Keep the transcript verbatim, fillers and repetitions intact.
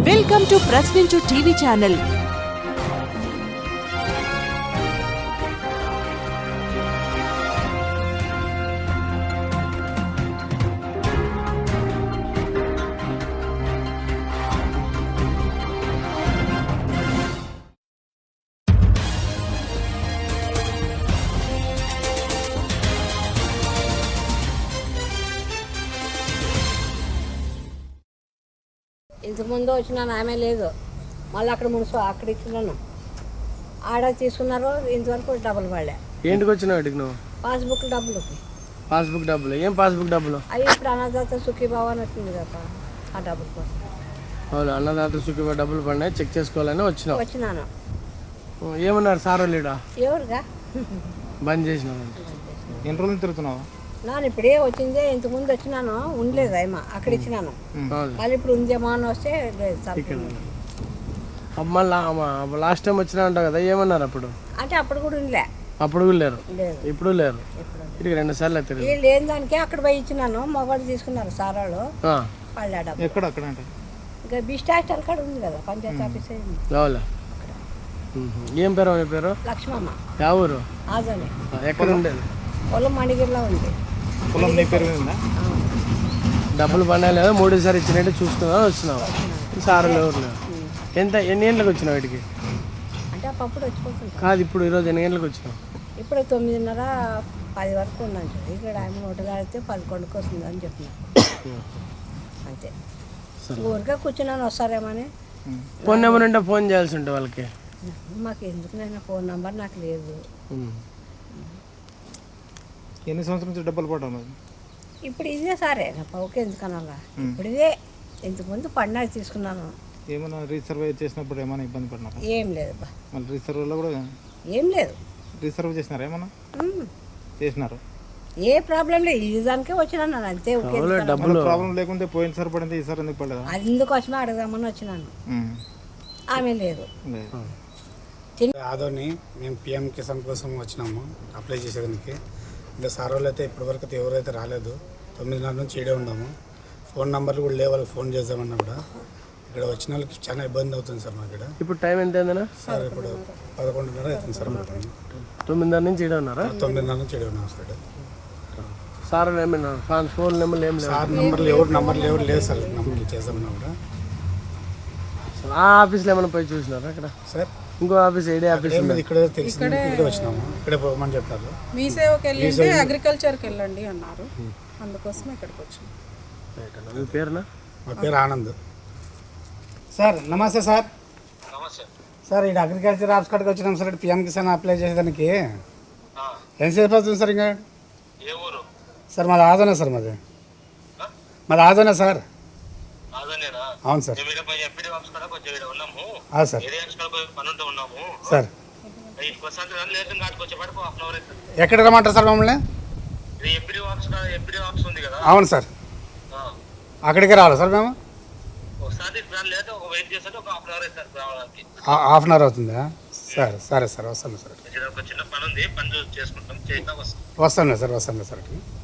Welcome to Prashninchu TV channel. ఇంతకుముందు వచ్చినాను ఆమె లేదు, మళ్ళీ అక్కడ మున్సి అక్కడ ఇచ్చినాను, ఆడ తీసుకున్నారు. ఇంతవరకు డబ్బులు పడలే. ఏంటికి వచ్చినావు ఇటుకు నువ్వు? పాస్బుక్ డబ్బులు. పాస్బుక్ డబ్బులు? ఏం పాస్బుక్ డబ్బులు? అవి ఇప్పుడు అన్నదాత సుఖీభావ అని వచ్చింది కదా, ఆ డబ్బుల కోసం. అవును, అన్నదాత సుఖీభావ డబ్బులు పడినాయి, చెక్ చేసుకోవాలని వచ్చినావు. వచ్చినాను. ఏమన్నారు సార్ లేడా? ఎవరుగా బంద్ చేసినావు? ఎన్ని రోజులు తిరుగుతున్నావు? నాను ఇప్పుడే వచ్చిందే, ఇంతకుముందు వచ్చినాను, ఉండలేదు అమ్మ, అక్కడ ఇచ్చినాను. మళ్ళీ ఇప్పుడు ఉందేమో అని వస్తే మళ్ళీ లాస్ట్ టైం వచ్చినా అంటావు కదా, ఏమన్నారు అప్పుడు? అంటే అప్పుడు కూడా ఉండలే. అప్పుడు కూడా లేరు, లేదు, ఇప్పుడు లేరు. ఇటుకి రెండు సార్లు తిరిగి వీళ్ళు లేని దానికే అక్కడ పోయి ఇచ్చినాను. మొగోళ్ళు తీసుకున్నారు సార్ వాళ్ళు, వాళ్ళు ఆ డబ్బు. ఎక్కడ అక్కడ అంటే ఇంకా బిస్ట్ హాస్టల్ కాడ ఉంది కదా, పంచాయతీ ఆఫీస్. అవునా? ఏం పేరు నీ పేరు? లక్ష్మమ్మ. యా ఊరు? ఆజోనే. ఎక్కడ ఉండేది? పొలం మణిగిరిలో ఉంది. పొలం నీ పేరు ఉందా? డబ్బులు పడినా లేదా మూడోసారి ఇచ్చినట్టు చూసుకున్నా వచ్చినావు. సార్ ఎవరు లేవు. ఎంత ఎన్ని గంటలకు వచ్చినావు వీటికి? అంటే అప్పుడు వచ్చిపోతుంది కాదు, ఇప్పుడు ఈరోజు ఎన్ని గంటలకు వచ్చినావు? ఇప్పుడు తొమ్మిదిన్నర పది వరకు ఉందని చెప్పి ఇక్కడ ఆయన నోటు కాడితే పదకొండుకి వస్తుంది అని చెప్పినారు. అంతే, ఊరికే కూర్చున్నాను వస్తారేమని. ఫోన్ నెంబర్ ఉంటే ఫోన్ చేయాల్సి ఉంటుంది వాళ్ళకి. మాకు ఎందుకు నైనా ఫోన్ నెంబర్ నాకు లేదు. ఎన్ని సంవత్సరాల నుంచి డబ్బులు పడ్డావు? ఇప్పుడు ఇదే సరే నా పౌకి ఎందుకనాలా, ఇప్పుడు ఇదే. ఇంతకుముందు పండుగ తీసుకున్నాను. ఏమైనా రీసర్వ్ చేసినప్పుడు ఏమైనా ఇబ్బంది పడినా? ఏం లేదు బా, మళ్ళీ రీసర్వ్లో కూడా ఏం లేదు. రీసర్వ్ చేసినారా? ఏమన్నా చేసినారు? ఏ ప్రాబ్లం లేదు, ఈ దానికే వచ్చినాను నేను అంతే. డబ్బులు ప్రాబ్లం లేకుంటే పోయిన సార్ పడింది, ఈసారి ఎందుకు పడలేదు? అందుకు వచ్చి అడగదామని వచ్చినాను. ఆమె లేదు. ఆదోని మేము పిఎం కిసాన్ కోసం వచ్చినాము అప్లై చేసేదానికి. ఇంకా సార్ వాళ్ళు అయితే ఇప్పటివరకు అయితే ఎవరైతే రాలేదు. తొమ్మిదిన్నర నుంచి ఏడే ఉన్నాము. ఫోన్ నెంబర్లు కూడా లేవు, వాళ్ళకి ఫోన్ చేద్దామన్నా కూడా ఇక్కడ వచ్చిన వాళ్ళకి చాలా ఇబ్బంది అవుతుంది సార్. మాకు ఇక్కడ ఇప్పుడు టైం ఎంత అయిందన్నా సార్? ఇప్పుడు పదకొండున్నర అవుతుంది సార్. మాకు తొమ్మిదిన్నర నుంచి ఏడే ఉన్నారా? తొమ్మిదిన్నర నుంచి ఏడే ఉన్నాము సార్. సార్ ఏమన్నా ఫోన్ నెంబర్లు ఏం లేవు? సార్ నెంబర్లు ఎవరు నెంబర్లు ఎవరు లేదు సార్. నెంబర్లు చేద్దామన్నా కూడా ఆ ఆఫీస్లో ఏమైనా పోయి చూసినారా అక్కడ? సార్ ఇంకో ఆఫీస్ ఏడే ఆఫీస్ ఇక్కడ తెలిసింది, ఇక్కడ వచ్చినాము. ఇక్కడే పోమని చెప్పారు. మీ సేవకి వెళ్ళి అగ్రికల్చర్కి వెళ్ళండి అన్నారు, అందుకోసం ఇక్కడికి వచ్చాము. మీ పేరునా? మా పేరు ఆనంద్ సార్. నమస్తే సార్. సార్ ఇక్కడ అగ్రికల్చర్ ఆఫీస్ కాడికి వచ్చినాం సార్. ఇక్కడ పిఎం కిసాన్ అప్లై చేసేదానికి ఎంతసేపు అవుతుంది సార్? ఇంకా సార్ మాది ఆదోనే సార్. మాది మాది ఆదోనే సార్. అవును సార్. సార్ సార్ ఎక్కడ రమ్మంటారు సార్ మమ్మల్ని? అవును సార్, అక్కడికే రావాలి సార్ మేము. హాఫ్ అన్ అవర్ అవుతుందా? సరే సరే సార్, వస్తాను సార్. వస్తాను సార్, వస్తాను సార్.